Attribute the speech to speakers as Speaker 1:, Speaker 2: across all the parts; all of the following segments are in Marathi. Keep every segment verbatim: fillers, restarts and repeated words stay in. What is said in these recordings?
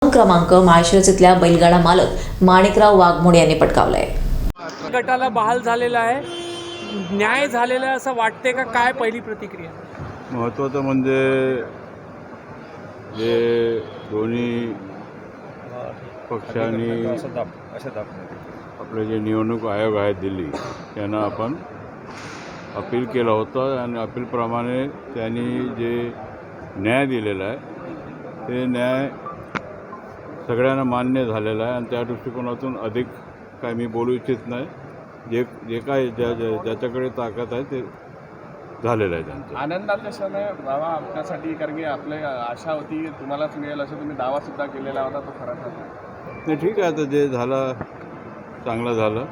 Speaker 1: प्रथम क्रमांक माळशिरस इथल्या बैलगाडा मालक माणिकराव वाघमोडे यांनी पटकावलाय.
Speaker 2: गटाला बहाल झालेला आहे, न्याय झालेला आहे असं वाटते का? काय पहिली प्रतिक्रिया?
Speaker 3: महत्त्वाचं म्हणजे जे दोन्ही पक्षांनी आपले जे निवडणूक आयोग आहे दिल्ली त्यांना आपण अपील केलं होतं आणि अपीलप्रमाणे त्यांनी जे न्याय दिलेला आहे ते न्याय सगळ्यांना मान्य झालेला आहे आणि त्या दृष्टिकोनातून अधिक काय मी बोलू इच्छित नाही. जे जे काय ज्या ज्याच्याकडे ताकद आहे ते झालेलं आहे त्यांचं.
Speaker 4: आनंदाचा क्षण आहे बाबा आपल्यासाठी, कारण की आपली आशा होती तुम्हालाच मिळेल असं तुम्ही दावासुद्धा केलेला होता, तो खरा ठरला.
Speaker 3: नाही ठीक आहे, आता जे झालं चांगलं झालं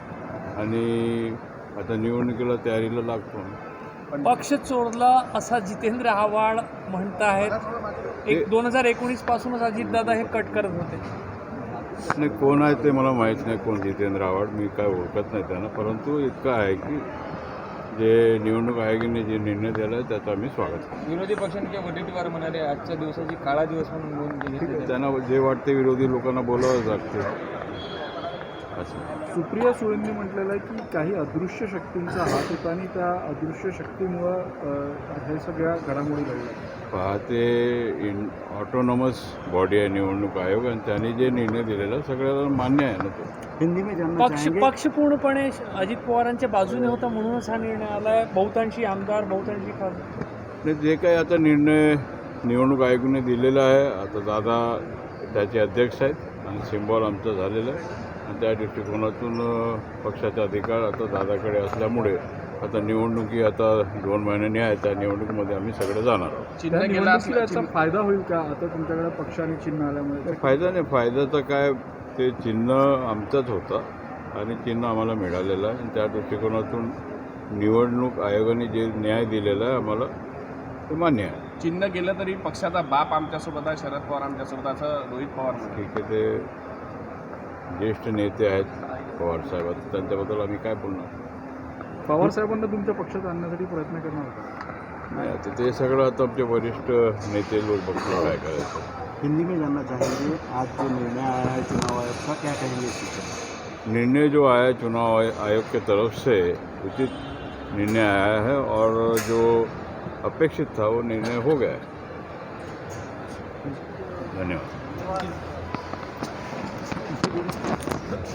Speaker 3: आणि आता निवडणुकीला तयारीला लागतो.
Speaker 2: पक्ष चोरला असा जितेंद्र आव्हाड म्हणतायत. एक दोन हजार एकोणीस पासूनच अजितदादा हे कट करत होते.
Speaker 3: नाही कोण आहे ते मला माहीत नाही, कोण जितेंद्र आव्हाड, मी काय ओळखत नाही त्यांना. परंतु इतकं आहे की जे निवडणूक आयोगाने जे निर्णय दिला आहे त्याचं आम्ही स्वागत करतो.
Speaker 4: विरोधी पक्षांचे वडेट्टीवार म्हणाले आजच्या दिवसाची काळा दिवस म्हणून नोंद केली.
Speaker 3: त्यांना जे वाटते विरोधी लोकांना बोलावंच लागते असं.
Speaker 5: सुप्रिया सुळेंनी म्हटलेलं आहे की काही अदृश्य शक्तींचा हात होता आणि त्या अदृश्य शक्तीमुळं हे सगळ्या घडामोडी घडल्या.
Speaker 3: पाहते इन ऑटोनॉमस बॉडी आहे निवडणूक आयोग आणि त्यांनी जे निर्णय दिलेला सगळ्याला मान्य आहे ना तो.
Speaker 5: हिंदी में जानना
Speaker 2: पक्ष
Speaker 5: चाहेंगे
Speaker 2: पक्ष पूर्णपणे अजित पवारांच्या बाजूने होता म्हणूनच हा निर्णय आलाय. बहुतांशी आमदार, बहुतांशी खासदार.
Speaker 3: नाही जे काही आता निर्णय निवडणूक आयोगाने दिलेला आहे, आता दादा त्याचे अध्यक्ष आहेत आणि सिम्बॉल आमचं झालेलं आहे आणि त्या दृष्टिकोनातून पक्षाचा अधिकार आता दादाकडे असल्यामुळे आता निवडणुकी आता दोन महिन्यांनी आहे, त्या निवडणुकीमध्ये आम्ही सगळे जाणार आहोत.
Speaker 5: त्या निवडणुकीला याचा फायदा होईल का? आता तुमच्याकडे पक्षाने चिन्ह आल्यामुळे
Speaker 3: फायदा नाही, फायद्याचं काय, ते चिन्ह आमचंच होतं आणि चिन्ह आम्हाला मिळालेलं आहे आणि त्या दृष्टिकोनातून निवडणूक आयोगाने जे न्याय दिलेला आहे आम्हाला ते मान्य आहे.
Speaker 4: चिन्ह गेलं तरी पक्षाचा बाप आमच्यासोबत आहे, शरद पवार आमच्यासोबत, असं रोहित पवार म्हणाले.
Speaker 3: ठीक आहे, ते ज्येष्ठ नेते आहेत पवार साहेब, त्यांच्याबद्दल आम्ही काय बोलणार.
Speaker 5: पवार साहेबांना तुमच्या पक्षात आणण्यासाठी प्रयत्न करणार होता.
Speaker 3: नाही आता ते सगळं आता आमचे वरिष्ठ नेते लोक बघतो काय करायचं.
Speaker 5: हिंदी में जानना चाहेंगे आज जो निर्णय आया है चुनाव आयोग का, क्या कहेंगे इसके?
Speaker 3: निर्णय जो आया चुनाव आयोग के तरफ से उचित निर्णय आया है और जो अपेक्षित था वो निर्णय हो गया है. धन्यवाद.